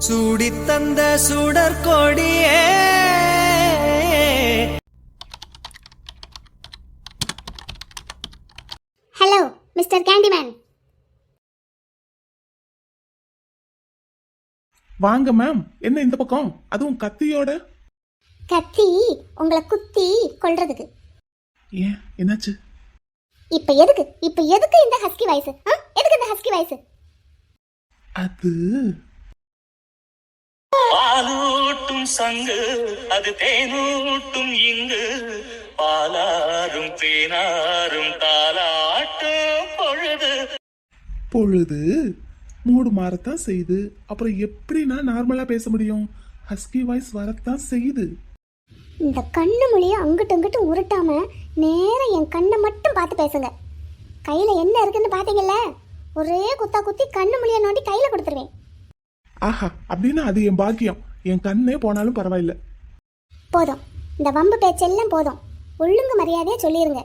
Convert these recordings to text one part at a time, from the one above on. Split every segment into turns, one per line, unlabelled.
சூடித்தந்த சுடற்கொடியே.
Hello mister candyman.
வாங்க ma'am. என்ன இந்த பக்கம், அதுவும் கத்தியோட?
கத்தி உங்களை குத்தி கொல்றதுக்கு.
ஏன், என்னாச்சு?
இப்ப எதுக்கு இந்த ஹஸ்கி வாய்ஸ்? எதுக்கு இந்த ஹஸ்கி வாய்ஸ்?
அது
பாலூட்டும் சங்கு, அது தேனூட்டும் இங்கு, பாலாரும் தேனாரும் தாலாட்டும்
பொழுது மூடு மாறத்தான் செய்யுது. அப்புறம் எப்படி நான் நார்மலா பேச முடியும்? ஹஸ்கி வாய்ஸ் வரத்தான் செய்யுது.
இந்த கண்ணு மொழியை அங்கிட்டு அங்கிட்டு உருட்டாம நேரா என் கண்ணை மட்டும் பார்த்து பேசுங்க. கையில என்ன இருக்குன்னு பாத்தீங்கல்ல, ஒரே குத்தா குத்தி கண்ணு மொழியை நோண்டி கையில கொடுத்துருவேன்.
ஆஹா, அப்படின்னா அது என் பாக்கியம். என் கண்ணே போனாலும் பரவாயில்ல.
போதும், இந்த வம்பு பேச்செல்லாம் போதும். ஒழுங்கு மரியாதையா சொல்லிருங்க.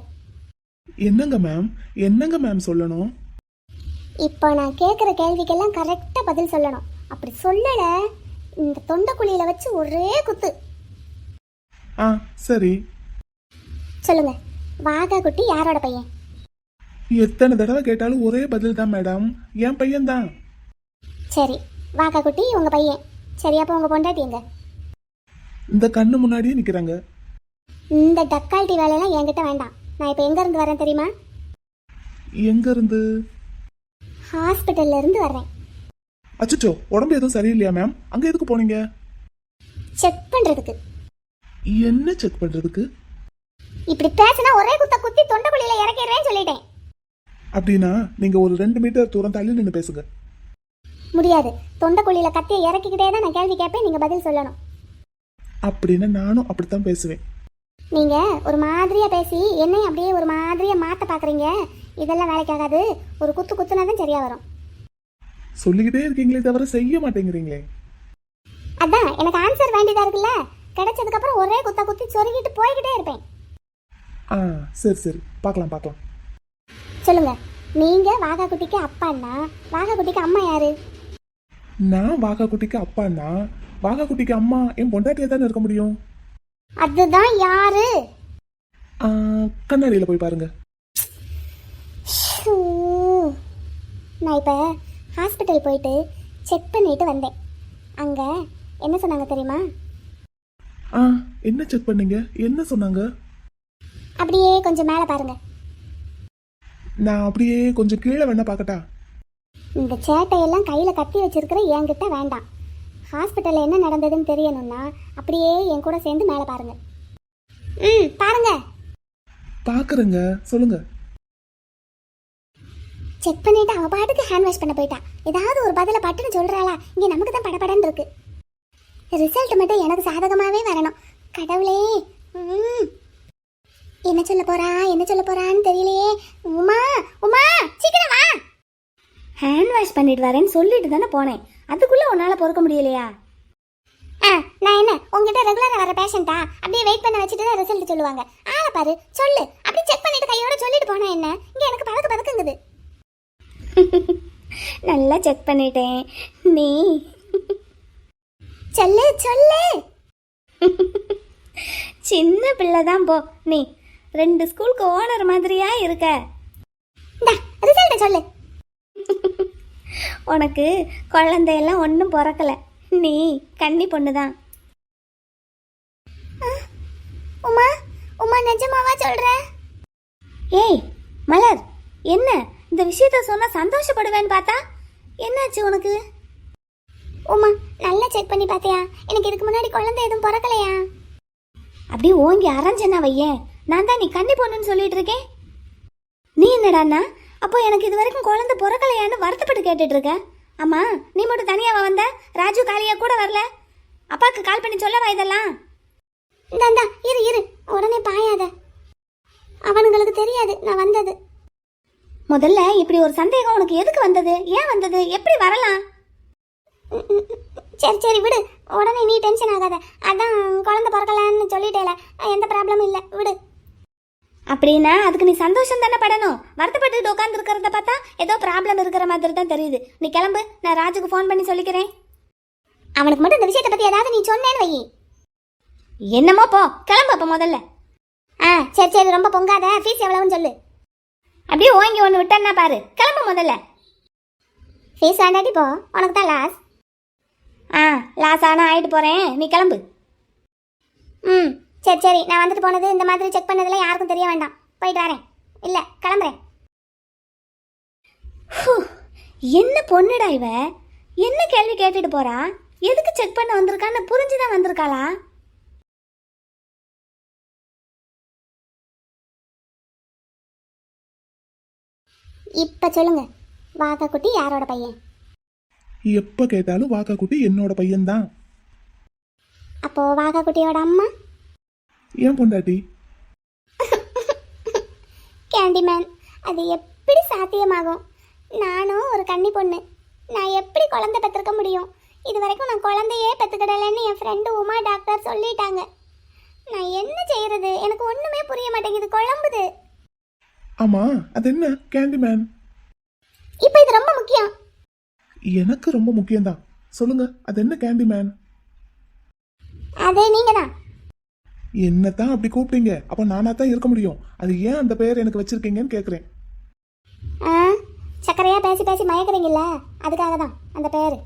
என்னங்க மேம் சொல்லணும்?
இப்போ நான் கேட்குற கேள்விக்கெல்லாம் கரெக்டா பதில் சொல்லணும். அப்படி சொல்லல இந்த தொண்டைக்குழியில வச்சு ஒரே குத்து.
ஆ சரி,
சொல்லுங்க, வாகா குட்டி யாரோட பையன்?
எத்தனை தடவை கேட்டாலும் ஒரே பதில் தான் மேடம், என் பையன் தான்.
சரி, வாகா குட்டி உங்க பையன். சரி, அப்போ உங்க பொண்டாட்டிங்க
இந்த கண்ணு முன்னாடியே நிக்கிறாங்க.
இந்த டக்கால்ட்டி வேலையெல்லாம் என்கிட்ட வேண்டாம். நான் இப்போ எங்க இருந்து வரேன் தெரியுமா?
எங்க இருந்து?
ஹாஸ்பிட்டல்ல இருந்து வர்றேன்.
அச்சோ, உடம்பு எதுவும் சரியில்லையா மேம்? அங்க எதுக்கு போனீங்க?
செக் பண்றதுக்கு.
என்ன செக் பண்றதுக்கு?
இப்படி பேசினா ஒரே குத்த குத்தி தொண்டைக்குழியில இறக்கிறேன்னு சொல்லிட்டேன்.
அப்படின்னா நீங்க ஒரு 2 மீட்டர் தூரம் தள்ளி நின்று பேசுங்க.
முடியாது, தொண்டைக்குழியில கத்தியை இறக்கிக்கிட்டே தான் நான் கேள்வி கேட்பேன், நீங்க பதில் சொல்லணும்.
அப்படின்னா நானும் அப்படித்தான் பேசுவேன்.
நீங்க ஒரு மாதிரியா பேசி என்னையும் அப்படியே ஒரு மாதிரியா மாத்த பாக்குறீங்க. இதெல்லாம் வேலைக்காகாது. ஒரு குத்து குத்துனாதான் சரியா வரும்.
சொல்லிக்கிட்டே இருக்கீங்களே தவிர செய்ய மாட்டேங்கிறீங்களே.
அதான் எனக்கு ஆன்சர் வேண்டியதா இருக்குல்ல. கிடைச்சதுக்கு அப்புறம் ஒரே குத்தா குத்தி சொருகிட்டு போய்கிட்டே இருப்பேன்.
ஆ சரி, பார்க்கலாம்.
சொல்லுங்க, நீங்க வாகா குட்டிக்கு அப்பான்னா வாகா குட்டிக்கு அம்மா யாரு?
நான் வாகா குட்டிக்கு அப்பான்னா வாகா குட்டிக்கு அம்மா என் பொண்டாட்டியா தானே இருக்க முடியும்.
அதுதான் யாரு?
கண்ணாடியில போய் பாருங்க.
நான் இப்ப ஹாஸ்பிட்டல் போயிட்டு செக் பண்ணிட்டு வந்தேன். அங்க என்ன சொன்னாங்க தெரியுமா?
என்ன செக் பண்ணீங்க? என்ன சொன்னாங்க?
அப்படியே கொஞ்சம் மேல பாருங்க.
நான் அப்படியே கொஞ்சம் கீழே வேணா பார்க்கட்டா?
இந்த சேட்டையெல்லாம் கையில கத்தி வச்சிருக்கிற என்கிட்ட வேண்டாம். ஹாஸ்பிட்டல்ல என்ன நடந்ததுன்னு தெரியணும்னா அப்படியே என் கூட சேர்ந்து மேல பாருங்க. பாருங்க.
பாக்குறேங்க, சொல்லுங்க.
செக் பண்ணிட்டு அவ பாட்டுக்கு ஹேண்ட் வாஷ் பண்ண போயிட்டா. ஏதாவது ஒரு பதில பட்டுன்னு சொல்றாளா? இங்க நமக்கு தான் படபடன்னு இருக்கு. ரிசல்ட் மட்டும் எனக்கு சாதகமாவே வரணும். கடவுளே, என்ன சொல்ல போறான்னு தெரியலையே. உமா சீக்கிரம் வா. ஹேண்ட் வாஷ் பண்ணிட்டு வரேன்னு சொல்லிட்டு தானே போனேன். அதுக்குள்ள உன்னால பொறுக்க முடியலையா? நான் என்ன உங்ககிட்ட ரெகுலரா வர பேஷண்டா? அப்படியே வெயிட் பண்ண வச்சுட்டு தான் ரிசல்ட் சொல்லுவாங்க. ஆளை பாரு, சொல்லு. அப்படி செக் பண்ணிட்டு கையோட சொல்லிட்டு போனா என்ன? இங்க எனக்கு பதக்குங்குது. நல்லா செக் பண்ணிட்டேன். நீ சொல்லு. சின்ன பிள்ளை தான் போ. நீ 2 ஸ்கூலுக்கு ஓனர் மாதிரியா இருக்க. ரிசல்ட் சொல்லு. உனக்கு குழந்தையெல்லாம் ஒன்றும் பிறக்கல. நீ கன்னி பொண்ணுதான். உமா நிஜமாவா சொல்ற? ஏய் மலர், என்ன இந்த விஷயத்த சொன்னா சந்தோஷப்படுவேன்னு பார்த்தா என்னாச்சு உனக்கு? உமா, நல்லா செக் பண்ணி பார்த்தியா? எனக்கு இதுக்கு முன்னாடி குழந்தை எதுவும் பிறக்கலையா? அப்படியே ஓங்கி அரைஞ்சனா வையேன். நான் தான் நீ கன்னி பொண்ணுன்னு சொல்லிட்டு இருக்கேன். நீ என்னடான்னா அப்போ எனக்கு இது வரைக்கும் குழந்தை பிறக்கலையான்னு வருத்தப்பட்டு கேட்டுட்டு இருக்க. அம்மா, நீ மட்டும் தனியாவா வந்த? ராஜு காளியா கூட வரல? அப்பாக்கு கால் பண்ணி சொல்லவா இதெல்லாம்? இந்தா இரு, உடனே பாயாத. அவனுங்களுக்கு தெரியாது நான் வந்தது. முதல்ல இப்படி ஒரு சந்தேகம் உனக்கு எதுக்கு வந்தது? ஏன் வந்தது? எப்படி வரலாம்? சரி விடு, உடனே நீ டென்ஷன் ஆகாத. அதான் குழந்தை பிறக்கலான்னு சொல்லிட்டேல, எந்த ப்ராப்ளமும் இல்லை, விடு. அப்படின்னா அதுக்கு நீ சந்தோஷம் தானே படணும். வருத்தப்பட்டு உட்கார்ந்து இருக்கிறத பார்த்தா ஏதோ ப்ராப்ளம் இருக்கிற மாதிரி தான் தெரியுது. நீ கிளம்பு, நான் ராஜுக்கு ஃபோன் பண்ணி சொல்லிக்கிறேன். அவனுக்கு மட்டும் இந்த விஷயத்தை பத்தி ஏதாவது நீ சொன்னேன்னு வை. என்னமோ போ, கிளம்பு அப்ப முதல்ல. சரி சரி, ரொம்ப பொங்காத. ஃபீஸ் எவ்வளவுன்னு சொல்லு. அப்படியே ஓங்கி ஒன்று விட்டேன்னா பாரு. கிளம்பு முதல்ல. ஃபீஸ் வேண்டாட்டி போ, உனக்கு தான் லாஸ். லாஸ் ஆனால் ஆகிட்டு போகிறேன், நீ கிளம்பு. சரி சரி, நான் வந்துட்டு போனது இந்த மாதிரி செக் பண்ணதில் யாருக்கும் தெரிய வேண்டாம். போயிட்டு வரேன். இல்லை, கிளம்புறேன். என்ன பொண்ணுடா இவ, என்ன கேள்வி கேட்டுட்டு போறா? எதுக்கு செக் பண்ண வந்திருக்கான்னு புரிஞ்சுதான் வந்திருக்காளா? இப்ப சொல்லுங்க, வாக்கா குட்டி யாரோட பையன்?
எப்ப கேட்டாலும் வாக்கா குட்டி என்னோட பையன்தான்.
அப்போ வாக்கா குட்டியோட அம்மா?
ஏன் பொண்டாட்டி?
கேண்டிமேன், அது எப்படி சாத்தியமாகும்? நானும் ஒரு கன்னி பொண்ணு, நான் எப்படி குழந்தை பெற்றுக்க முடியும்? இது வரைக்கும் நான் குழந்தையே பெற்றுக்கிடலன்னு என் ஃப்ரெண்டு உமா டாக்டர் சொல்லிட்டாங்க. நான் என்ன செய்யறது? எனக்கு ஒண்ணுமே புரிய மாட்டேங்குது, குழம்புது.
ஆமா, அது என்ன கேண்டிமேன்?
இப்போ இது ரொம்ப முக்கியம்.
எனக்கு ரொம்ப முக்கியம்தான். சொல்லுங்க, அது என்ன கேண்டிமேன்?
அதே நீங்க தான்.
என்னத்தான் அப்படி கூப்பிட்டீங்க? அப்ப நானா தான் இருக்க முடியும். அது ஏன் அந்த பெயர் எனக்கு வச்சிருக்கீங்கன்னு கேக்குறேன்.
சக்கரையா பேசி பேசி மயக்கிறீங்கல்ல, அதுக்காக தான் அந்த பேரு.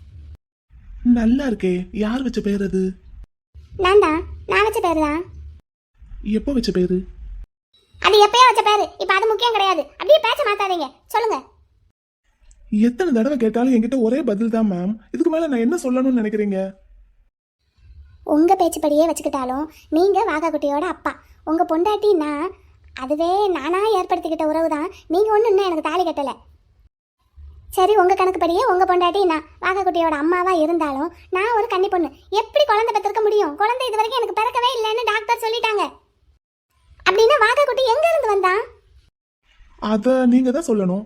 நல்லா இருக்கே. யார் வச்ச பேர் அது?
நான் தான். நான் வச்ச பேரு தான்.
எப்போ வச்ச பேரு?
அது எப்பயோ வச்ச பேரு, இப்ப அது முக்கியம் கிடையாது. அப்படியே பேச்ச மாத்தாதீங்க, சொல்லுங்க.
எத்தனை தடவை கேட்டாலும் என்கிட்ட ஒரே பதில் தான் மேம். இதுக்கு மேல நான் என்ன சொல்லணும்னு நினைக்கிறீங்க?
உங்க பேச்சுப்படியே வச்சுக்கிட்டாலும் நீங்க வாகா குட்டியோட அப்பா, உங்க பொண்டாட்டின்னா அதுவே நானா ஏற்படுத்திக்கிட்ட உறவு தான். நீங்க ஒண்ணு இன்னும் எனக்கு தாலி கட்டல. சரி, உங்க கணக்குப்படியே உங்க பொண்டாட்டி நான் வாகா குட்டியோட அம்மாவா இருந்தாலும் நான் ஒரு கன்னி பொண்ணு. எப்படி குழந்தை பெற்றிருக்க முடியும்? குழந்தை இது வரைக்கும் எனக்கு பிறக்கவே இல்லைன்னு டாக்டர் சொல்லிட்டாங்க. அப்படின்னா வாகா குட்டி எங்க இருந்து வந்தான்?
அத நீங்க தான் சொல்லணும்.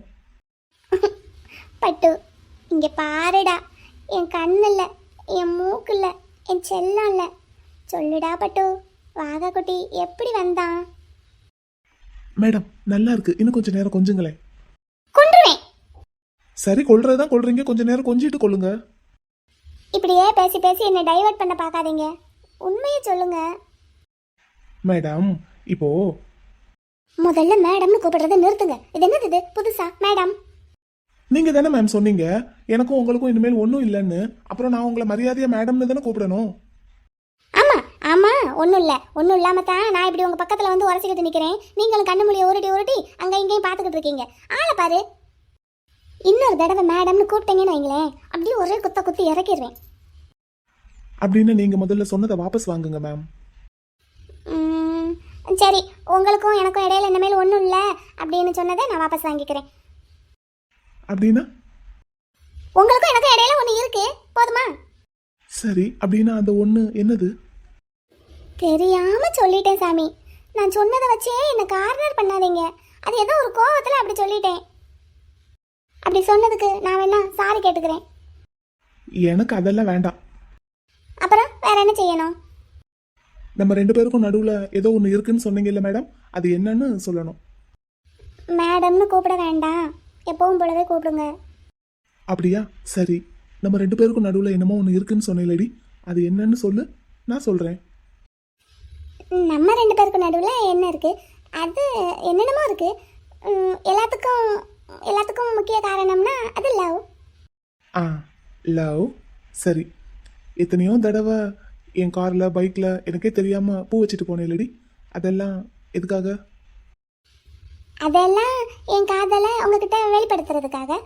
பட்டு, இங்க பாருடா. என் கண்ணு இல்ல, என் மூக்கு இல்ல, என் செல்லம் இல்ல. சொல்லுடா பட்டு, வாகா குட்டி எப்படி வந்தான்?
மேடம், நல்லா இருக்கு. இன்னும் கொஞ்ச நேரம் கொஞ்சுங்களேன்.
கொன்றுவேன்.
சரி, கொல்றதுதான் கொல்றீங்க, கொஞ்ச நேரம் கொஞ்சிட்டு கொள்ளுங்க.
இப்படியே பேசி பேசி என்னை டைவர்ட் பண்ண பார்க்காதீங்க. உண்மையை சொல்லுங்க.
மேடம், இப்போ
முதல்ல மேடம்னு கூப்பிடுறதை நிறுத்துங்க. இது என்னது இது புதுசா மேடம்?
நீங்க தானே மேம் சொன்னீங்க எனக்கும் உங்களுக்கும் இனிமேல் ஒன்றும் இல்லைன்னு. அப்புறம் நான் உங்களை மரியாதையா மேடம்னு தானே கூப்பிடணும்.
ஆமா ஆமா, ஒன்றும் இல்லை. ஒன்றும் இல்லாம தான் நான் இப்படி உங்க பக்கத்துல வந்து உரசிக்கிட்டு நிக்கிறேன். நீங்களும் கண்ணு மொழியை உருட்டி உருட்டி அங்க இங்கேயும் பார்த்துக்கிட்டு இருக்கீங்க. ஆளை பாரு. இன்னொரு தடவை மேடம்னு கூப்பிட்டீங்கன்னு வைங்களேன், அப்படியே ஒரே குத்த குத்தி இறக்கிடுவேன்.
அப்படின்னு நீங்க முதல்ல சொன்னதை வாபஸ் வாங்குங்க மேம்.
சரி, உங்களுக்கும் எனக்கும் இடையில இனிமேல் ஒன்றும் இல்லை அப்படின்னு சொன்னதை நான் வாபஸ் வாங்கிக்கிறேன்.
அப்படின்னா
உங்களுக்கும் எனக்கும் இடையில ஒன்று இருக்கு, போதுமா?
சரி, அப்படின்னா அந்த ஒன்று என்னது?
தெரியாம சொல்லிட்டேன் சாமி. நான் சொன்னதை வச்சே என்னை கார்னர் பண்ணாதீங்க. அது ஏதோ ஒரு கோவத்தில் அப்படி சொல்லிட்டேன். அப்படி சொன்னதுக்கு நான் வேணா சாரி கேட்டுக்கிறேன்.
எனக்கு அதெல்லாம் வேண்டாம்.
அப்புறம் வேற என்ன செய்யணும்?
நம்ம ரெண்டு பேருக்கும் நடுவுல ஏதோ ஒன்று இருக்குன்னு சொன்னீங்கல்ல மேடம், அது என்னன்னு சொல்லணும்.
மேடம்னு கூப்பிட வேண்டாம், எப்பவும் போலவே கூப்பிடுங்க.
அப்படியா? சரி, நம்ம ரெண்டு பேருக்கும் நடுவுல என்னமோ ஒன்று இருக்குன்னு சொன்னீங்களடி, அது என்னன்னு சொல்லு, நான் சொல்றேன்.
நம்ம ரெண்டு பேருக்கும் நடுவில் என்ன இருக்கு? அது என்னென்னமோ இருக்கு. எல்லாத்துக்கும் முக்கிய காரணம்னா அது லவ்.
லவ். சரி, எத்தனையோ தடவை என் கார்ல பைக்ல எனக்கே தெரியாம பூ வச்சுட்டு போனேன்லடி, அதெல்லாம் எதுக்காக?
அதெல்லாம் என் காதலை உங்ககிட்ட வெளிப்படுத்துறதுக்காக.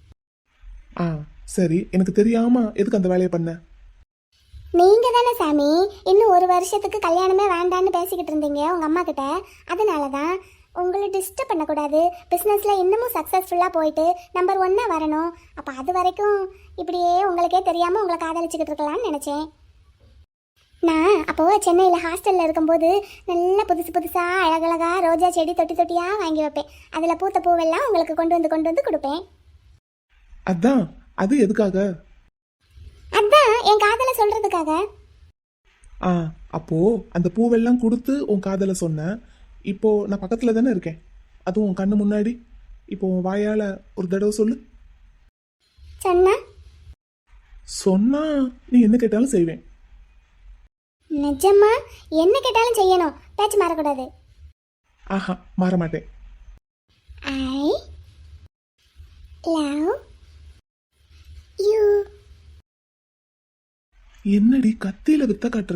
சரி, எனக்கு தெரியாம எதுக்கு அந்த வேலையை பண்ண?
நீங்க தானே சாமி இன்னும் ஒரு வருஷத்துக்கு கல்யாணமே வேண்டான்னு பேசிக்கிட்டு இருந்தீங்க உங்க அம்மா கிட்ட. அதனால தான் உங்களை டிஸ்டர்ப் பண்ணக்கூடாது, பிஸ்னஸில் இன்னமும் சக்ஸஸ்ஃபுல்லாக போயிட்டு நம்பர் 1 வரணும். அப்போ அது வரைக்கும் இப்படியே உங்களுக்கே தெரியாமல் உங்களை காதலிச்சுக்கிட்டு இருக்கலாம்னு நினச்சேன். நான் அப்போது சென்னையில் ஹாஸ்டலில் இருக்கும்போது நல்லா புதுசாக அழகழகாக ரோஜா செடி தொட்டி தொட்டியாக வாங்கி வைப்பேன். அதில் பூத்த பூவெல்லாம் உங்களுக்கு கொண்டு வந்து கொடுப்பேன்.
அதான், அது எதுக்காக?
அதான் என் காதலை சொல்கிறதுக்காக.
அப்போ அந்த பூவெல்லாம் கொடுத்து உன் காதலை சொன்ன. இப்போ நான் பக்கத்துல தானே இருக்கேன், அதுவும் உன் கண்ணு முன்னாடி. இப்போ உன் வாயால ஒரு தடவை சொல்லு.
சொன்னா
சொன்னா நீ என்ன கேட்டாலும் செய்வேன்.
நிஜமா என்ன கேட்டாலும் செய்யணும், பேச்சு மாறக்கூடாது.
ஆஹா, மாற மாட்டேன்.
I love you.
என்னடி கத்தியில வித்த காட்டுற?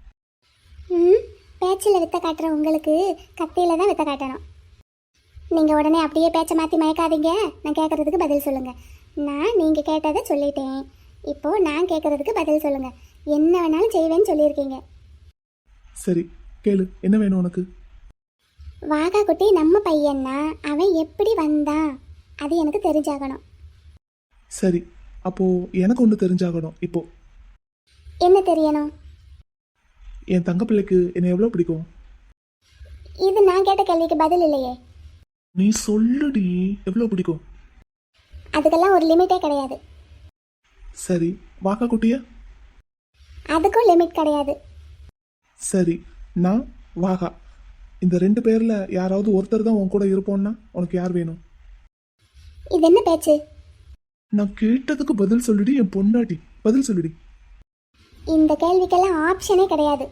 பேச்சில் வித்த காட்டுற உங்களுக்கு கத்தியில தான் வித்த காட்டணும். நீங்கள் உடனே அப்படியே பேச்சை மாற்றி மயக்காதீங்க. நான் கேட்குறதுக்கு பதில் சொல்லுங்கள். நான் நீங்கள் கேட்டதை சொல்லிட்டேன். இப்போது நான் கேட்குறதுக்கு பதில் சொல்லுங்கள். என்ன வேணாலும் செய்வேன்னு சொல்லியிருக்கீங்க.
சரி கேளு, என்ன வேணும் உனக்கு?
வாகா குட்டி நம்ம பையன்னா அவன் எப்படி வந்தான் அது எனக்கு தெரிஞ்சாகணும்.
சரி, அப்போ எனக்கு ஒன்று தெரிஞ்சாகணும். இப்போ
என்ன தெரியணும்?
என் தங்க பிள்ளைக்கு என்னை எவ்வளோ பிடிக்கும்?
இது நான் கேட்ட கேள்விக்கு பதில் இல்லையே.
நீ சொல்லுடி, எவ்வளோ பிடிக்கும்?
அதுக்கெல்லாம் ஒரு லிமிட்டே கிடையாது.
சரி, வாக்கா குட்டியா?
அதுக்கும் லிமிட் கிடையாது.
சரி, நான் வாகா, இந்த 2 பேர்ல யாராவது ஒருத்தர் தான் உன் கூட இருப்போம்னா உனக்கு யார் வேணும்?
இது என்ன பேச்சு?
நான் கேட்டதுக்கு பதில் சொல்லுடி என் பொண்டாட்டி, பதில் சொல்லுடி.
இந்த கேள்விக்கெல்லாம் ஆப்ஷனே கிடையாது.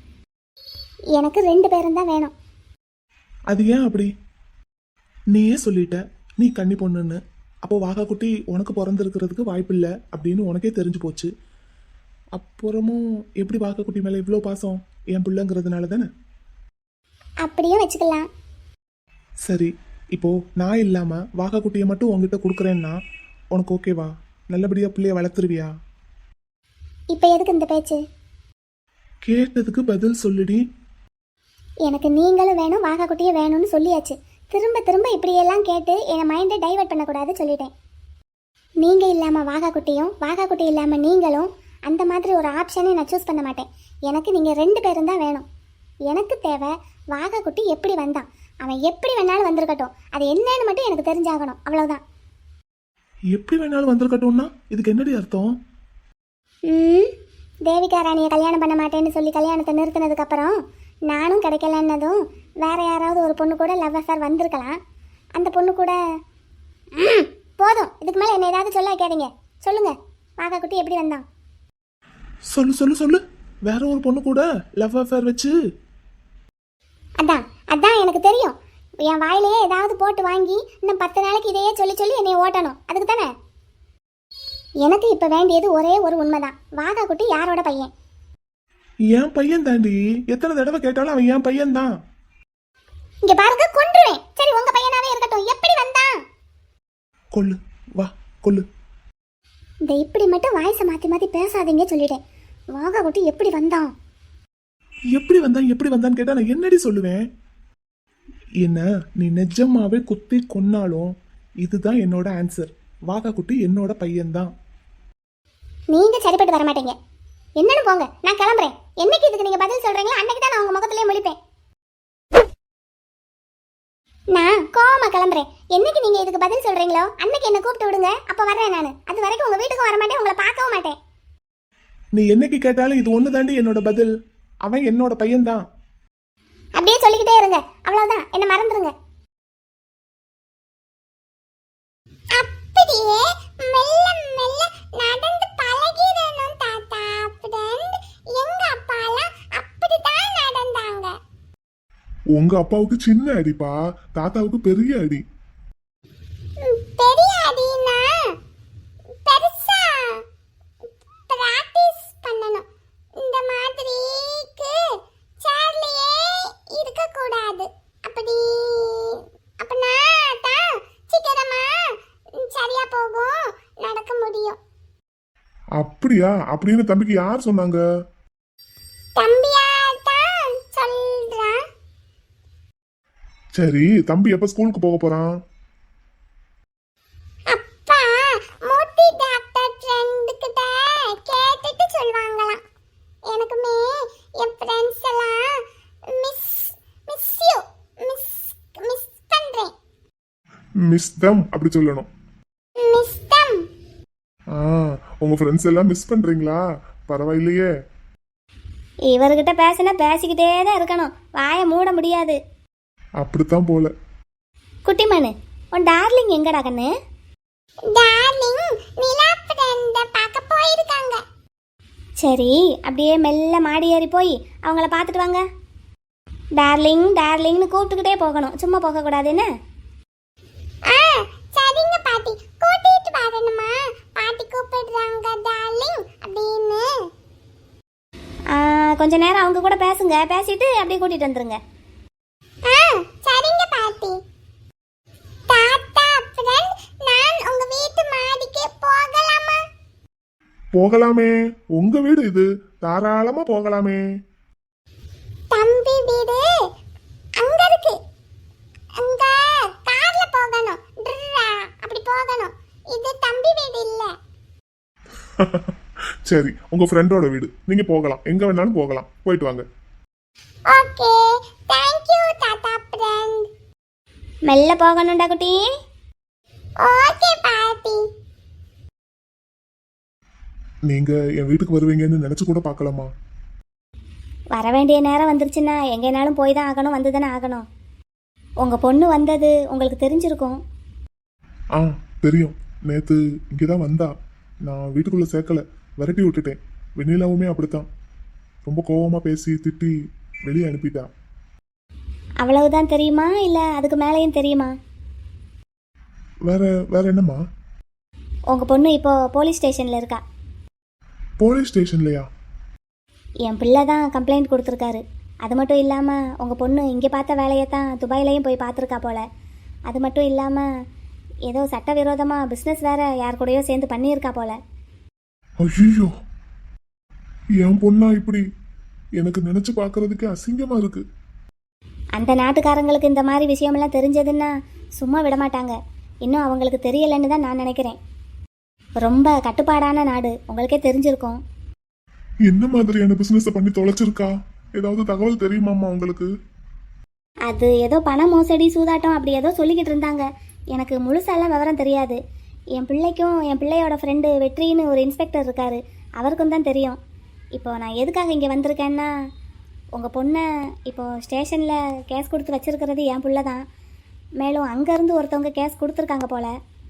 எனக்கு 2 பேரும் தான் வேணும்.
அது ஏன் அப்படி? நீயே சொல்லிட்ட நீ கன்னி பொண்ணுன்னு. அப்போ வாகா குட்டி உனக்கு பிறந்திருக்கிறதுக்கு வாய்ப்பில்லை அப்படின்னு உனக்கே தெரிஞ்சு போச்சு. அப்புறமும் எப்படி வாகா குட்டி மேலே இவ்வளோ பாசம்? என் பிள்ளைங்கிறதுனால தானே?
அப்படியே வச்சுக்கலாம்.
சரி, இப்போ நான் இல்லாம வாகா குட்டியை மட்டும் உங்ககிட்ட கொடுக்குறேன்னா உனக்கு ஓகேவா? நல்லபடியா பிள்ளைய வளர்த்துருவியா?
இப்போ எதுக்கு இந்த பேச்சு?
கேட்டதுக்கு பதில் சொல்லுடி.
எனக்கு நீங்களும் வேணும் வாகா குட்டியும் வேணும்னு சொல்லியாச்சு. திரும்ப திரும்ப இப்படியெல்லாம் கேட்டு என் மைண்டை டைவர்ட் பண்ணக்கூடாது சொல்லிட்டேன். நீங்கள் இல்லாமல் வாகா குட்டியும் வாகா குட்டி இல்லாமல் நீங்களும் அந்த மாதிரி ஒரு ஆப்ஷனை நான் சூஸ் பண்ண மாட்டேன். எனக்கு நீங்கள் 2 பேரும் தான் வேணும். எனக்கு தேவை வாகா குட்டி எப்படி வந்தான், அவன் எப்படி வேணாலும் வந்திருக்கட்டும், அது என்னன்னு மட்டும் எனக்கு தெரிஞ்சாகணும், அவ்வளோதான்.
எப்படி வேணாலும் வந்திருக்கட்டும்னா இதுக்கு என்னடி அர்த்தம்?
தேவிகா ராணியை கல்யாணம் பண்ண மாட்டேன்னு சொல்லி கல்யாணத்தை நிறுத்தினதுக்கப்புறம் நானும் கிடைக்கலன்னதும் வேற யாராவது ஒரு பொண்ணு கூட லவ் அஃபேர் வந்திருக்கலாம். அந்த பொண்ணு கூட போதும், இதுக்கு மேலே என்ன ஏதாவது சொல்ல வைக்காதீங்க. சொல்லுங்க, வாகா குட்டி எப்படி வந்தான்?
சொல்லு சொல்லு சொல்லு. வேற ஒரு பொண்ணு கூட லவ் அஃபேர் வச்சு?
அதான் அதான் எனக்கு தெரியும். என் வாயிலேயே ஏதாவது போட்டு வாங்கி இன்னும் 10 நாளைக்கு இதையே சொல்லி சொல்லி என்னை ஓட்டணும், அதுக்கு தானே? எனக்கு இப்போ வேண்டியது ஒரே ஒரு உண்மைதான். வாகா குட்டி யாரோட பையன்?
என் பையன் தாண்டி. எத்தனை தடவை கேட்டாலும் அவன் என் பையன் தான்.
இங்க பாருங்க, கொன்றுவேன். சரி, உங்க பையனாவே இருக்கட்டும், எப்படி வந்தான்?
கொல்லு, வா கொல்லு.
இந்த இப்படி மட்டும் வாய்ஸை மாற்றி மாற்றி பேசாதீங்க சொல்லிட்டேன். வாகா குட்டி எப்படி வந்தான்?
எப்படி வந்தான்னு கேட்டா நான் என்னடி சொல்லுவேன்? என்ன நீ நிஜமாவே குத்தி கொன்னாலும் இதுதான் என்னோட ஆன்சர். வாகா குட்டி என்னோட பையன்தான்.
நீங்க சரிப்பட்டு வர மாட்டீங்க. என்னன்னு போங்க, நான் கிளம்புறேன். என்னைக்கு இதுக்கு நீங்க பதில் சொல்றீங்களோ அன்னைக்கு தான் நான் உங்க முகத்திலேயே முழிப்பேன். நான் கோவமா கிளம்புறேன். என்னைக்கு நீங்க இதுக்கு பதில் சொல்றீங்களோ அன்னைக்கு என்ன கூப்பிட்டு விடுங்க, அப்ப வர்றேன் நான். அது வரைக்கும் உங்க வீட்டுக்கு வர மாட்டேன், உங்களை பார்க்கவும் மாட்டேன்.
நீ என்னைக்கு கேட்டாலும் இது ஒண்ணு தாண்டி என்னோட பதில். அவன் என்னோட பையன்தான்.
அப்படியே சொல்லிக்கிட்டே இருங்க, அவ்வளவுதான், என்ன மறந்துருங்க. அப்படியே மெல்ல மெல்ல நடந்து பழகிடணும் தாத்தா. ஃப்ரெண்ட், எங்க அப்பாலாம் அப்படிதான் நடந்தாங்க.
உங்க அப்பாவுக்கு சின்ன அடிப்பா, தாத்தாவுக்கு பெரிய அடி.
பெரிய அடினா பெருசா பிராக்டிஸ் பண்ணணும். இந்த மாதிரிக்கு சேர்லயே இருக்க கூடாது. அப்பனா தான் சீக்கிரமா சரியா போகும், நடக்க முடியும்.
அப்படியா? அப்படின்னு தம்பிக்கு யார் சொன்னாங்க?
தம்பியா தான் சொல்றான்.
சரி, தம்பி எப்ப ஸ்கூலுக்கு போக போறான்?
அப்பா மூர்த்தி டாக்டர் ஃப்ரெண்ட் கிட்ட கேட்டுட்டு சொல்வாங்களாம். எனக்குமே என் ஃப்ரெண்ட்ஸ் எல்லாம் மிஸ் யூ மிஸ் பண்றேன்.
மிஸ் தம் அப்படி சொல்லணும்.
Miss them.
உங்க ஃப்ரெண்ட்ஸ் எல்லாம் மிஸ் பண்றீங்களா? பரவாயில்லையே.
இவர்கிட்ட பேசினா பேசிக்கிட்டே தான் இருக்கணும், வாயை மூட முடியாது.
அப்படித்தான் போல.
குட்டிமனு, உன் டார்லிங் எங்கடா கண்ணு? டார்லிங் நிலா ஃப்ரெண்ட பார்க்க போயிருக்காங்க. சரி, அப்படியே மெல்ல மாடி ஏறி போய் அவங்கள பார்த்துட்டு வாங்க. டார்லிங் டார்லிங்னு கூப்பிட்டுக்கிட்டே போகணும், சும்மா போகக்கூடாது என்ன? சரிங்க பாட்டி, கூட்டிட்டு வரணுமா? பாட்டி கூப்பிடுறாங்க டார்லிங் அப்படின்னு. கொஞ்ச நேரம் அவங்க கூட பேசுங்க, பேசிட்டு அப்படியே கூட்டிட்டு வந்துருங்க. சரிங்க பாட்டி. தாத்தா ஃப்ரெண்ட், நான் உங்க வீட்டு மாடிக்கு போகலாமா?
போகலாமே, உங்க வீடு இது, தாராளமா போகலாமே.
தம்பி வீடு அங்க இருக்கு, அங்க கார்ல போகணும், அப்படி போகணும். இது தம்பி வீடு இல்ல.
சரி, உங்க ஃப்ரெண்டோட வீடு, நீங்க போகலாம், எங்க வேணாலும் போகலாம், போயிட்டு வாங்க.
ஓகே, தேங்க் யூ தாத்தா ஃப்ரெண்ட். மெல்ல போகணும்டா குட்டி. ஓகே பாட்டி.
நீங்க என் வீட்டுக்கு வருவீங்கன்னு நினைச்சு கூட பார்க்கலாமா?
வர வேண்டிய நேரம் வந்துருச்சுன்னா எங்கேனாலும் போய் தான் ஆகணும், வந்து தானே ஆகணும். உங்கள் பொண்ணு வந்தது உங்களுக்கு தெரிஞ்சிருக்கும்.
ஆ தெரியும், நேற்று இங்கே தான் வந்தா. நான் வீட்டுக்குள்ளே சேர்க்கல, விரட்டி விட்டுட்டேன். வெண்ணிலாவுமே அப்படித்தான், ரொம்ப கோவமாக பேசி திட்டி வெளியே அனுப்பிட்டா.
அவ்வளவுதான் தெரியுமா, இல்லை அதுக்கு மேலேயும் தெரியுமா?
வேற வேற என்னம்மா?
உங்கள் பொண்ணு இப்போ போலீஸ் ஸ்டேஷனில் இருக்கா.
போலீஸ் ஸ்டேஷன்லையா?
என் பிள்ளை தான் கம்ப்ளைண்ட் கொடுத்துருக்காரு. அது மட்டும் இல்லாமல் உங்கள் பொண்ணு இங்கே பார்த்த வேலையை தான் துபாயிலையும் போய் பார்த்துருக்கா போல. அது மட்டும் இல்லாமல் ஏதோ சட்டவிரோதமாக பிஸ்னஸ் வேற யார் கூடயோ சேர்ந்து பண்ணியிருக்கா போல.
ஐயோ, என் பொண்ணா இப்படி? எனக்கு நினைச்சு பார்க்கறதுக்கு அசிங்கமா இருக்கு.
அந்த நாட்டுக்காரங்களுக்கு இந்த மாதிரி விஷயமெல்லாம் தெரிஞ்சதுன்னா சும்மா விட மாட்டாங்க. இன்னும் அவங்களுக்கு தெரியலைன்னு தான் நான் நினைக்கிறேன். ரொம்ப கட்டுப்பாடான நாடு, உங்களுக்கே தெரிஞ்சிருக்கும்.
என்ன மாதிரியான பிசினஸ் பண்ணி தொலைச்சிருக்கா? ஏதாவது தகவல் தெரியுமாம்மா உங்களுக்கு?
அது ஏதோ பண மோசடி சூதாட்டம் அப்படி ஏதோ சொல்லிக்கிட்டு இருந்தாங்க. எனக்கு முழுசாலாம் விவரம் தெரியாது. என் பிள்ளைக்கும் என் பிள்ளையோட ஃப்ரெண்டு வெற்றின்னு ஒரு இன்ஸ்பெக்டர் இருக்காரு, அவருக்கும் தான் தெரியும். இப்போ நான் எதுக்காக இங்கே வந்திருக்கேன்னா, உங்கள் பொண்ணை இப்போது ஸ்டேஷனில் கேஸ் கொடுத்து வச்சிருக்கிறது என் பிள்ளை தான். மேலும் அங்கேருந்து ஒருத்தவங்க கேஸ் கொடுத்துருக்காங்க போல.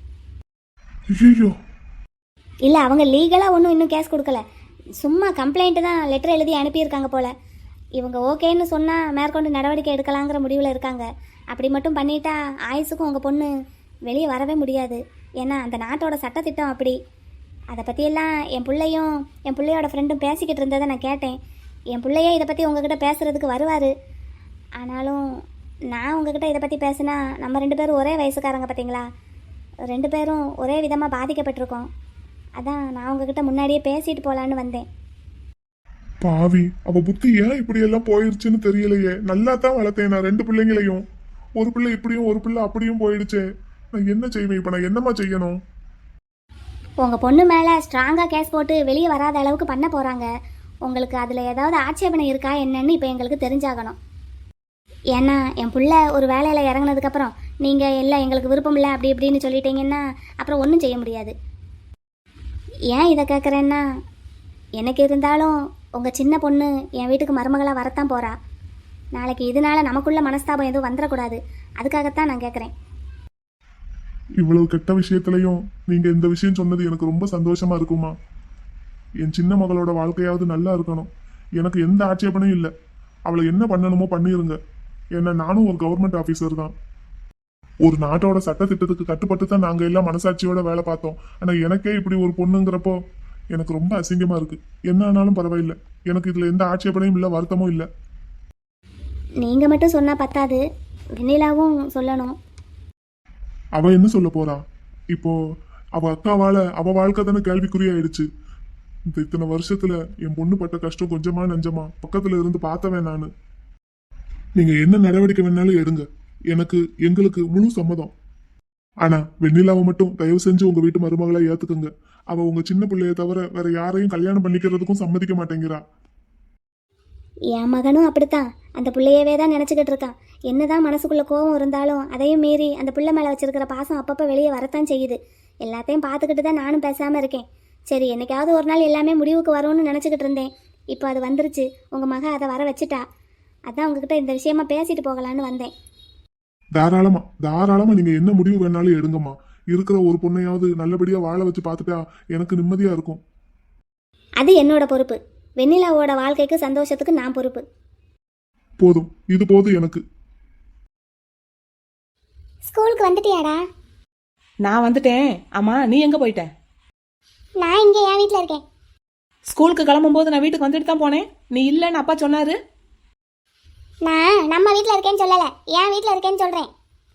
ஐயோ,
இல்லை, அவங்க லீகலாக ஒன்றும் இன்னும் கேஸ் கொடுக்கல, சும்மா கம்ப்ளைண்ட்டு தான் லெட்டர் எழுதி அனுப்பியிருக்காங்க போல. இவங்க ஓகேன்னு சொன்னால் மேற்கொண்டு நடவடிக்கை எடுக்கலாங்கிற முடிவில் இருக்காங்க. அப்படி மட்டும் பண்ணிட்டா ஆயுசுக்கும் உங்கள் பொண்ணு வெளியே வரவே முடியாது. ஏன்னா அந்த நாட்டோட சட்டத்திட்டம் அப்படி. அதை பற்றியெல்லாம் என் பிள்ளையும் என் பிள்ளையோட ஃப்ரெண்டும் பேசிக்கிட்டு இருந்ததை நான் கேட்டேன். என் பிள்ளையே இதை பற்றி உங்ககிட்ட பேசுகிறதுக்கு வருவார். ஆனாலும் நான் உங்ககிட்ட இதை பற்றி பேசுனா நம்ம 2 பேரும் ஒரே வயசுக்காரங்க பார்த்தீங்களா, 2 பேரும் ஒரே விதமாக பாதிக்கப்பட்டிருக்கோம். அதான் நான் உங்ககிட்ட முன்னாடியே பேசிட்டு போகலான்னு வந்தேன்.
பாவி, அவ புத்தி ஏன் இப்படி எல்லாம் போயிருச்சுன்னு தெரியலையே. நல்லா தான் வளர்த்தேன் நான் 2 பிள்ளைங்களையும். ஒரு பிள்ளை இப்படியும் ஒரு பிள்ளை அப்படியும் போயிடுச்சே. நான் என்ன செய்வேன் இப்போ? நான் என்னம்மா செய்யணும்?
உங்கள் பொண்ணு மேலே ஸ்ட்ராங்காக கேஸ் போட்டு வெளியே வராத அளவுக்கு பண்ண போகிறாங்க. உங்களுக்கு அதில் ஏதாவது ஆட்சேபனை இருக்கா என்னன்னு இப்போ எங்களுக்கு தெரிஞ்சாகணும். ஏன்னா என் பிள்ளை ஒரு வேலையில் இறங்கினதுக்கப்புறம் நீங்கள் இல்லை எங்களுக்கு விருப்பம் இல்லை அப்படி இப்படின்னு சொல்லிட்டீங்கன்னா அப்புறம் ஒன்றும் செய்ய முடியாது. ஏன் இதை கேட்குறேன்னா, எனக்கு இருந்தாலும் உங்கள் சின்ன பொண்ணு என் வீட்டுக்கு மருமகளாக வரத்தான் போகிறா. நாளைக்கு இதனால நமக்குள்ள மனஸ்தாபம் எதுவும் வந்துடக்கூடாது, அதுக்காகத்தான் நான் கேட்குறேன்.
இவ்வளவு கெட்ட விஷயத்திலையும் நீங்க இந்த விஷயம் சொன்னது எனக்கு ரொம்ப சந்தோஷமா இருக்குமா. என் சின்ன மகளோட வாழ்க்கையாவது நல்லா இருக்கணும். எனக்கு எந்த ஆட்சேபனையும் இல்லை. அவளை என்ன பண்ணணுமோ பண்ணிருங்க. ஏன்னா நானும் ஒரு கவர்மெண்ட் ஆஃபீஸர் தான். ஒரு நாட்டோட சட்டத்திட்டத்துக்கு கட்டுப்பட்டு தான் நாங்கள் எல்லாம் மனசாட்சியோட வேலை பார்த்தோம். ஆனால் எனக்கே இப்படி ஒரு பொண்ணுங்கிறப்போ எனக்கு ரொம்ப அசிங்கமா இருக்கு. என்ன ஆனாலும் பரவாயில்லை, எனக்கு இதுல எந்த ஆட்சேபனையும் இல்லை, வருத்தமும் இல்லை.
நீங்கள் மட்டும் சொன்னால் பத்தாது, வெண்ணிலாவும் சொல்லணும்.
அவ என்ன சொல்ல போறா? இப்போ அவ அக்காவால அவ வாழ்க்கை தானே கேள்விக்குறியாயிடுச்சு. இந்த இத்தனை வருஷத்துல என் பொண்ணு பட்ட கஷ்டம் கொஞ்சமா நஞ்சமா பக்கத்துல இருந்து பார்த்தவன் நானு. நீங்க என்ன நடவடிக்கை வேணாலும் எடுங்க, எங்களுக்கு முழு சம்மதம். ஆனா வெண்ணிலாவை மட்டும் தயவு செஞ்சு உங்க வீட்டு மருமகளை ஏத்துக்குங்க. அவ உங்க சின்ன பிள்ளைய தவிர வேற யாரையும் கல்யாணம் பண்ணிக்கிறதுக்கும் சம்மதிக்க மாட்டேங்கிறா.
என் மகனும் அப்படித்தான், அந்த பிள்ளையவே தான் நினச்சிக்கிட்டு இருக்கான். என்னதான் மனசுக்குள்ளே கோபம் இருந்தாலும் அதையும் மீறி அந்த பிள்ளை மேலே வச்சிருக்கிற பாசம் அப்பப்போ வெளியே வரத்தான் செய்யுது. எல்லாத்தையும் பார்த்துக்கிட்டு தான் நானும் பேசாமல் இருக்கேன். சரி, என்னைக்காவது ஒரு நாள் எல்லாமே முடிவுக்கு வரும்னு நினச்சிக்கிட்டு இருந்தேன். இப்போ அது வந்துருச்சு, உங்கள் மக அதை வர வச்சுட்டா. அதான் உங்ககிட்ட இந்த விஷயமா பேசிட்டு போகலான்னு வந்தேன்.
தாராளமா நீங்க என்ன முடிவு வேணாலும் எடுங்கம்மா. இருக்கிற ஒரு பொண்ணையாவது நல்லபடியா வாழ வச்சு பார்த்துட்டா எனக்கு நிம்மதியா இருக்கும்.
அது என்னோட பொறுப்பு. வெண்ணிலாவோட வாழ்க்கைக்கு சந்தோஷத்துக்கு நான் பொறுப்பு.
போதும், இது போதும் எனக்கு.
ஸ்கூலுக்கு வந்துட்டியாடா?
நான் வந்துட்டேன். ஆமா, நீ எங்க போயிட்ட?
நான் இங்கே என் வீட்டில் இருக்கேன்.
ஸ்கூலுக்கு கிளம்பும்போது நான் வீட்டுக்கு வந்துட்டு தான் போனேன். நீ இல்லைன்னு அப்பா சொன்னாரு.
நான் நம்ம வீட்டில் இருக்கேன்னு சொல்லலை, என் வீட்டில் இருக்கேன்னு சொல்கிறேன்.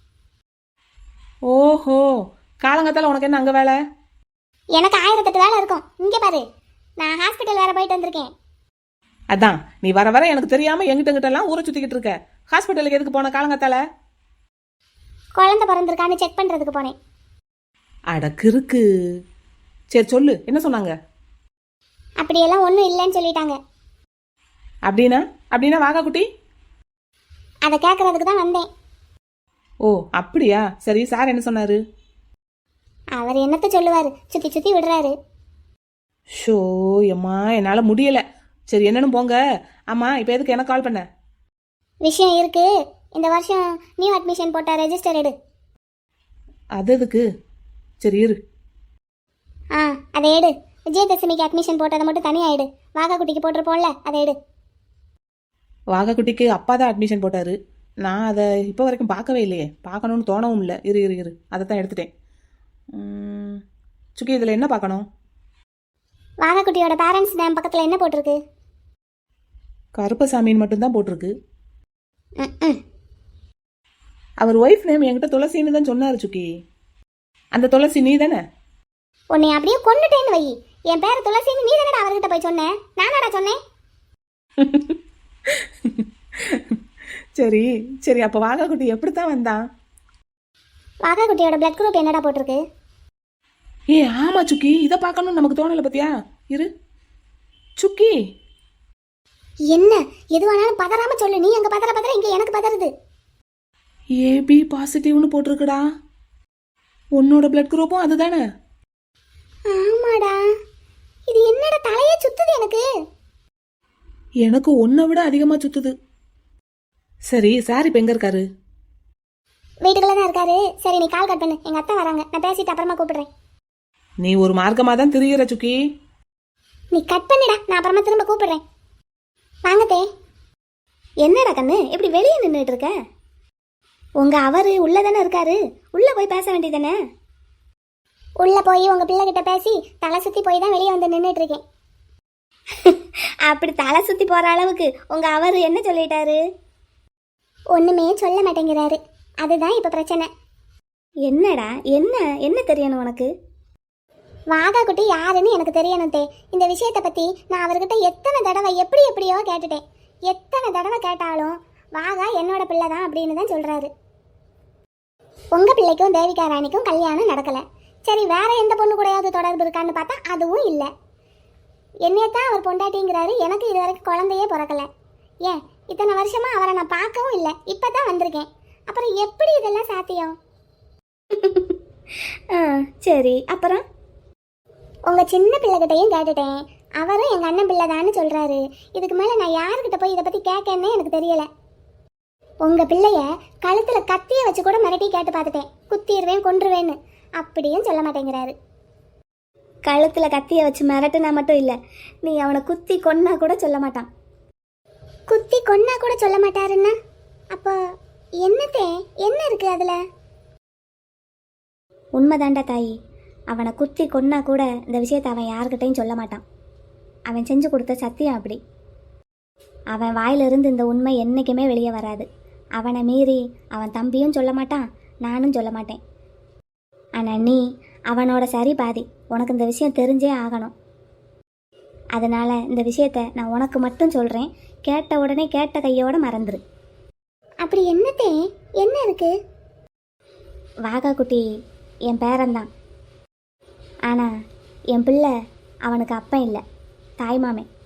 ஓஹோ, காலங்கத்தால உனக்கு என்ன அங்க வேலை?
எனக்கு 1008 வேலை இருக்கும். இங்கே பாரு, நான் ஹாஸ்பிட்டல் வேற போயிட்டு வந்திருக்கேன்.
அதான் நீ வர வர எனக்கு தெரியாம எங்கிட்ட எல்லாம் ஊரை சுத்திக்கிட்டு இருக்க. ஹாஸ்பிட்டலுக்கு எதுக்கு போன காலங்கத்தால?
குழந்தை பிறந்திருக்கான்னு செக் பண்ணுறதுக்கு போனேன்.
அடக்கு இருக்கு. சரி சொல்லு, என்ன சொன்னாங்க?
அப்படியெல்லாம் ஒன்றும் இல்லைன்னு சொல்லிட்டாங்க.
அப்படின்னா வாகா குட்டி?
அதை கேட்கறதுக்கு தான் வந்தேன்.
ஓ அப்படியா, சரி. சார் என்ன சொன்னாரு?
அவர் என்னத்த சொல்லுவார், சுற்றி சுற்றி விடுறாரு.
ஷோ எம்மா, என்னால் முடியல. சரி என்னன்னு போங்க. ஆமா, இப்போ எதுக்கு எனக்கு கால் பண்ண?
விஷயம் இருக்கு. இந்த வருஷம் நியூ அட்மிஷன் போட்ட ரெஜிஸ்டர் எடு.
அது எதுக்கு? சரி இரு.
அதை எடு. விஜயதசமிக்கு அட்மிஷன் போட்டதை மட்டும் தனியாக எடு. வாகா குட்டிக்கு போட்டிருப்போம்ல, அதை எடு.
வாகா குட்டிக்கு அப்பா தான் அட்மிஷன் போட்டாரு. நான் அதை இப்போ வரைக்கும் பார்க்கவே இல்லையே. பார்க்கணுன்னு தோணவும் இல்லை. இரு அதை தான் எடுத்துட்டேன். சுக்கி, இதில் என்ன பார்க்கணும்?
வாகா குட்டியோட பேரண்ட்ஸ் நேம் பக்கத்தில் என்ன போட்டிருக்கு?
கருப்பசாமின்னு மட்டும்தான் போட்டிருக்கு. அவர் ஒய்ஃப் நேம் என்கிட்ட துளசின்னு தான் சொன்னார் சுக்கி. அந்த துளசி நீ தானே?
உன்னை அப்படியே கொண்டுட்டேன்னு வை. என் பேர் துளசின்னு நீ தானடா அவர்கிட்ட போய் சொன்னேன். நானடா சொன்னேன்?
சரி அப்போ வாகா குட்டி எப்படித்தான் வந்தான்?
வாகா குட்டியோட பிளட் குரூப் என்னடா போட்டிருக்கு?
ஆமா சுக்கி, இதை பார்க்கணும்னு நமக்கு தோணலை பத்தியா? இரு சுக்கி.
என்ன எதுவானாலும் பதறாம சொல்லு. நீ அங்க பதற இங்க எனக்கு பதறுது.
ஏபி பாசிட்டிவ்னு போட்டிருக்குடா. உன்னோட பிளட் குரூப்பும் அதுதானே?
ஆமாடா. இது என்னடா தலையே சுத்துது எனக்கு.
எனக்கு உன்னை விட அதிகமா சுத்துது. சரி, சார் இப்ப எங்க இருக்காரு?
வீட்டுக்குள்ள தான் இருக்காரு. சரி நீ கால் கட் பண்ணு, எங்க அத்தை வராங்க. நான் பேசிட்டு அப்புறமா கூப்பிடுறேன்.
நீ ஒரு மார்க்கமா தான் திரியிற சுக்கி.
நீ கட் பண்ணிடா, நான் அப்புறமா திரும்ப கூப்பிடுறேன். வாங்கத்தே. என்னடா கண்ணு இப்படி வெளியே நின்றுட்டு இருக்க? உங்க அவரு உள்ள தானே இருக்காரு, உள்ள போய் பேச வேண்டியதானே? உள்ள போய் உங்க பிள்ளை கிட்ட பேசி தலை சுத்தி போய் தான் வெளியே வந்து நின்றுட்டு இருக்கேன். அப்படி தலை சுத்தி போற அளவுக்கு உங்க அவரு என்ன சொல்லிட்டாரு? ஒண்ணுமே சொல்ல மாட்டேங்கிறாரு. அதுதான் இப்ப பிரச்சனை. என்னடா என்ன தெரியணும் உனக்கு? வாகா குட்டி யாருன்னு எனக்கு தெரியணும் தே. இந்த விஷயத்தை பத்தி நான் அவர்கிட்ட எத்தனை தடவை எப்படியோ கேட்டுட்டேன். எத்தனை தடவை கேட்டாலும் வாகா என்னோட பிள்ளை தான் அப்படின்னு தான் சொல்றாரு. உங்க பிள்ளைக்கும் தேவிகா ராணிக்கும் கல்யாணம் நடக்கல. சரி, வேற எந்த பொண்ணு கூடயாவது தொடர்பு இருக்கான்னு பார்த்தா அதுவும் இல்லை. என்னையத்தான் அவர் பொண்டாட்டிங்கிறாரு. எனக்கு இது வரைக்கும் குழந்தையே பிறக்கல. ஏன் இத்தனை வருஷமா அவரை நான் பார்க்கவும் இல்லை. இப்பதான் வந்திருக்கேன். அப்புறம் எப்படி இதெல்லாம் சாத்தியம்? சரி, அப்புறம் உங்க சின்ன பிள்ளைகிட்டையும் கேட்டுட்டேன். அவரும் எங்க அண்ணன் பிள்ளை தான்னு சொல்றாரு. இதுக்கு மேல நான் யாருக்கிட்ட போய் இதை பத்தி கேட்கன்னு எனக்கு தெரியல. உங்க பிள்ளைய கழுத்துல கத்திய வச்சு கூட மிரட்டி கேட்டு பார்த்துட்டேன். குத்திடுவேன் கொன்றுவேன்னு. அப்படியும் சொல்ல மாட்டேங்கிறாரு. கழுத்துல கத்திய வச்சு மிரட்டுனா மட்டும் இல்ல, நீ அவனை குத்தி கொன்னா கூட சொல்ல மாட்டான். குத்தி கொன்னா கூட சொல்ல மாட்டாருன்னா அப்போ என்னத்தே என்ன இருக்கு அதுல? உண்மைதாண்டா தாயி. அவனை குத்தி கொன்னா கூட இந்த விஷயத்தை அவன் யாருக்கிட்டையும் சொல்ல மாட்டான். அவன் செஞ்சு கொடுத்த சத்தியம் அப்படி. அவன் வாயிலிருந்து இந்த உண்மை என்றைக்குமே வெளியே வராது. அவனை மீறி அவன் தம்பியும் சொல்ல மாட்டான், நானும் சொல்ல மாட்டேன். ஆனால் நீ அவனோட சரி பாதி. உனக்கு இந்த விஷயம் தெரிஞ்சே ஆகணும். அதனால் இந்த விஷயத்த நான் உனக்கு மட்டும் சொல்கிறேன். கேட்ட உடனே கேட்ட கையோட மறந்துரு. அப்படி என்னத்தே என்ன இருக்கு? வாகா குட்டி என் பேரன்தான். ஆனால் என் பிள்ளை அவனுக்கு அப்பன் இல்லை, தாய்மாமே.